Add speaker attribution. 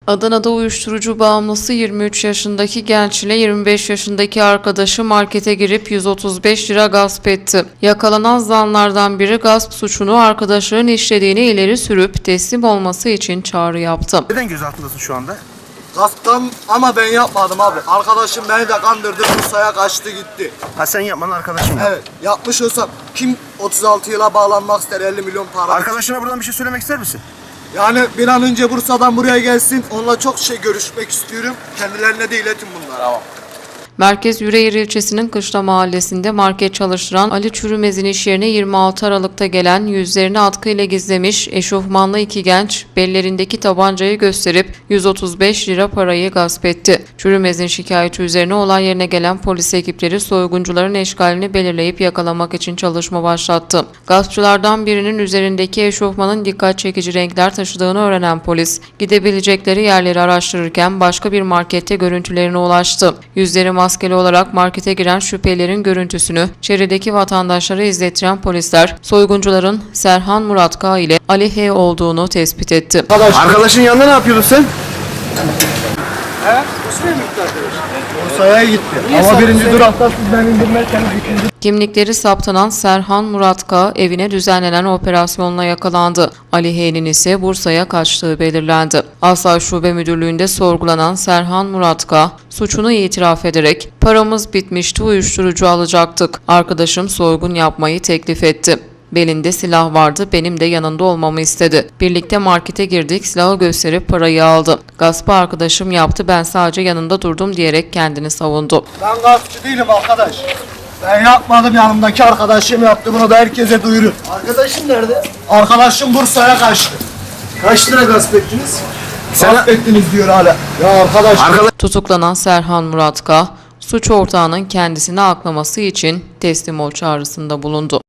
Speaker 1: Adana'da uyuşturucu bağımlısı 23 yaşındaki genç ile 25 yaşındaki arkadaşı markete girip 135 lira gasp etti. Yakalanan zanlardan biri gasp suçunu arkadaşlarının işlediğini ileri sürüp teslim olması için çağrı yaptı.
Speaker 2: Neden gözaltındasın şu anda?
Speaker 3: Gasptan ama ben yapmadım abi. Arkadaşım beni de kandırdı, Bursa'ya kaçtı gitti.
Speaker 2: Ha sen yapmadın, arkadaşın mı?
Speaker 3: Evet, yapmış olsam kim 36 yıla bağlanmak ister 50 milyon para?
Speaker 2: Arkadaşına buradan bir şey söylemek ister misin?
Speaker 3: Yani bir an önce Bursa'dan buraya gelsin. Onunla çok görüşmek istiyorum. Kendilerine de iletin bunları. Tamam.
Speaker 1: Merkez Yüreğir ilçesinin Kışla mahallesinde market çalıştıran Ali Çürümez'in iş yerine 26 Aralık'ta gelen yüzlerini atkıyla gizlemiş eşofmanlı iki genç bellerindeki tabancayı gösterip 135 lira parayı gasp etti. Çürümez'in şikayeti üzerine olay yerine gelen polis ekipleri soyguncuların eşkalini belirleyip yakalamak için çalışma başlattı. Gaspçılardan birinin üzerindeki eşofmanın dikkat çekici renkler taşıdığını öğrenen polis gidebilecekleri yerleri araştırırken başka bir markette görüntülerine ulaştı. Yüzleri maskeli olarak markete giren şüphelilerin görüntüsünü çevredeki vatandaşlara izlettiren polisler soyguncuların Serhan Murat K ile Ali H olduğunu tespit etti.
Speaker 2: Arkadaşın yanında ne yapıyordun sen?
Speaker 3: He? Bursa'ya gitti. Ama birinci durakta siz beni indirmezseniz ikinci...
Speaker 1: Kimlikleri saptanan Serhan Murat K evine düzenlenen operasyonla yakalandı. Ali H'nin ise Bursa'ya kaçtığı belirlendi. Asayiş Şube Müdürlüğü'nde sorgulanan Serhan Murat K suçunu itiraf ederek "Paramız bitmişti, uyuşturucu alacaktık. Arkadaşım soygun yapmayı teklif etti. Belinde silah vardı, benim de yanında olmamı istedi. Birlikte markete girdik, silahı gösterip parayı aldı. Gaspı arkadaşım yaptı, ben sadece yanında durdum" diyerek kendini savundu.
Speaker 3: Ben gaspçı değilim arkadaş. Ben yapmadım, yanımdaki arkadaşım yaptı. Bunu da herkese duyurun.
Speaker 2: Arkadaşın nerede?
Speaker 3: Arkadaşım Bursa'ya kaçtı.
Speaker 2: Kaç lira gasp ettiniz?
Speaker 3: Gasp ettiniz diyor hala. Ya arkadaş...
Speaker 1: Tutuklanan Serhan Murat K, suç ortağının kendisini aklaması için teslim ol çağrısında bulundu.